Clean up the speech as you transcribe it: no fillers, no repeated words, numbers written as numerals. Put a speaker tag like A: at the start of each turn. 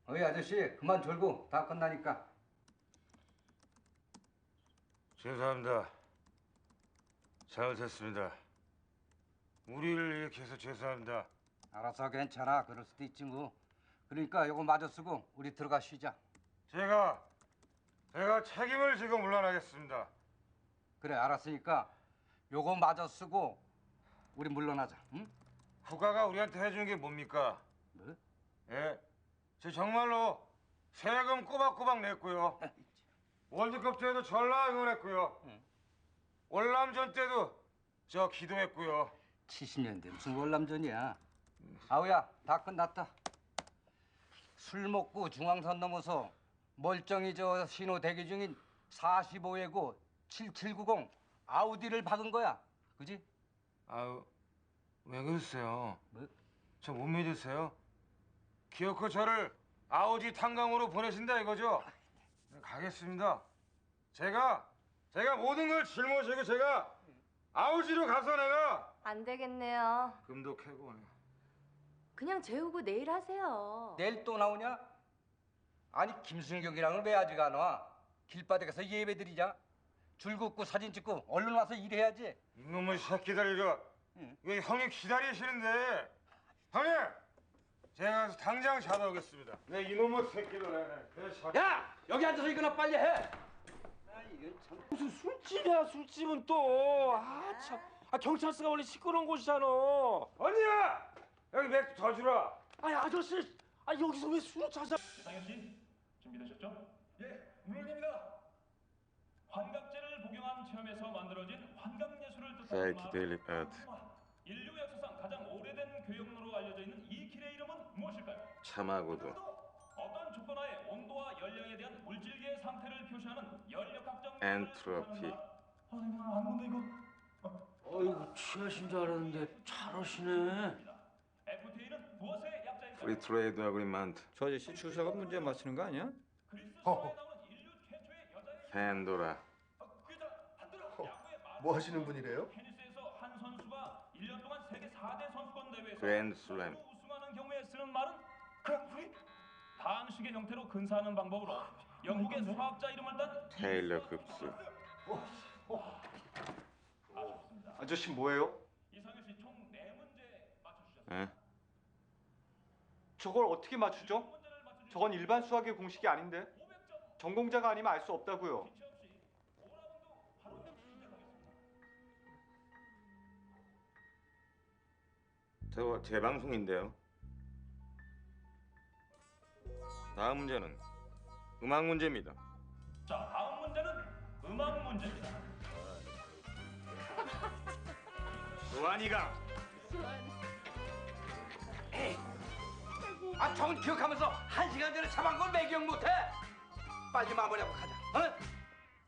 A: 어이 아저씨 그만 졸고 다 끝나니까.
B: 죄송합니다. 잘못했습니다. 우리를 이렇게 해서 죄송합니다.
A: 알아서 괜찮아. 그럴 수도 있지 뭐. 그러니까 요거 마저 쓰고 우리 들어가 쉬자.
B: 제가 책임을 지고 물러나겠습니다.
A: 그래 알았으니까 요거 마저 쓰고 우리 물러나자. 응?
B: 국가가 우리한테 해준 게 뭡니까?
A: 뭐?
B: 예, 저 정말로 세금 꼬박꼬박 냈고요. 월드컵 때도 전라 응원했고요.
A: 응.
B: 월남전 때도 저 기도했고요.
A: 70년대 무슨 월남전이야. 아우야 다 끝났다. 술 먹고 중앙선 넘어서 멀쩡히 저 신호 대기 중인 45회고 7790 아우디를 박은 거야. 그지?
B: 아유, 왜 그러세요?
A: 뭐?
B: 저 못 믿으세요? 기어코 저를 아우디 탄광으로 보내신다 이거죠? 네, 가겠습니다. 제가 모든 걸 짊어지고 제가 아우지로 가서 내가
C: 안 되겠네요.
B: 금도 캐고
C: 그냥 재우고 내일 하세요.
A: 내일 또 나오냐? 아니 김순경이랑은 왜 아직 안 와? 길바닥에서 예배 드리자. 줄 긋고 사진 찍고 얼른 와서 일해야지.
B: 이놈의 새끼들 이거
A: 응.
B: 왜 형님 기다리시는데 형님 제가 가서 당장 잡아오겠습니다. 네 이놈의 새끼들
A: 야 여기 앉아서 이거나 빨리 해. 아 이건 참.
D: 무슨 술집이야 술집은 또. 아 참. 아 경찰서가 원래 시끄러운 곳이잖아.
B: 언니야 여기 맥주 더 주라.
D: 아니 아저씨. 아 여기서 왜 술을 찾아?
E: 상현 씨 준비되셨죠? 예, 물론입니다. 환각제를 복용한 체험에서 만들어진 환각 예술을 뜻하는
B: Fake Daily Ad.
E: 인류 역사상 가장 오래된 교역로로 알려져 있는 이 길의 이름은 무엇일까요?
B: 참하고도
E: 어떤 조건하에 온도와 열량에 대한 물질계의 상태를 표시하는 열역학적
B: 엔트로피.
E: 안 본다 이거.
D: 어이구 취하신 줄 알았는데 잘하시네.
E: FTA는 무엇의 약자일까요?
B: 프리 트레이드 어그리먼트.
F: 저 아저씨 주사가 문제 맞히는 거 아니야?
E: 그리스 신화에 나오는 인류 최초의 여자의
B: 팬도라.
G: 뭐 하시는 분이래요?
E: 테니스에서 한 선수가 1년 동안 세계 4대 선수권 대회에서
B: 그랜드슬램.
E: 모두 우승하는 경우에 쓰는 말은 그랑프리. 방식의 형태로 근사하는 방법으로 영국의 수학자 이름을 딴
B: 테일러 급수.
E: 아쉽습니다.
G: 아저씨 뭐예요?
E: 이상현 씨 총 4문제 맞춰주셨습니다.
B: 예?
H: 저걸 어떻게 맞추죠?
E: 문제를 맞춰주신
H: 저건 일반 수학의 공식이 아닌데
E: 500점
H: 전공자가 아니면 알 수 없다고요.
E: 기체 없이 5라운드 바로 시작하겠습니다.
B: 저거 제 방송인데요. 다음 문제는 음악 문제입니다.
E: 자, 다음 문제는 음악 문제입니다.
B: 수환이가
A: 아 저건 기억하면서 1시간 전에 잡은 걸 매기억 못해. 빨리 마무리하고 가자. 어?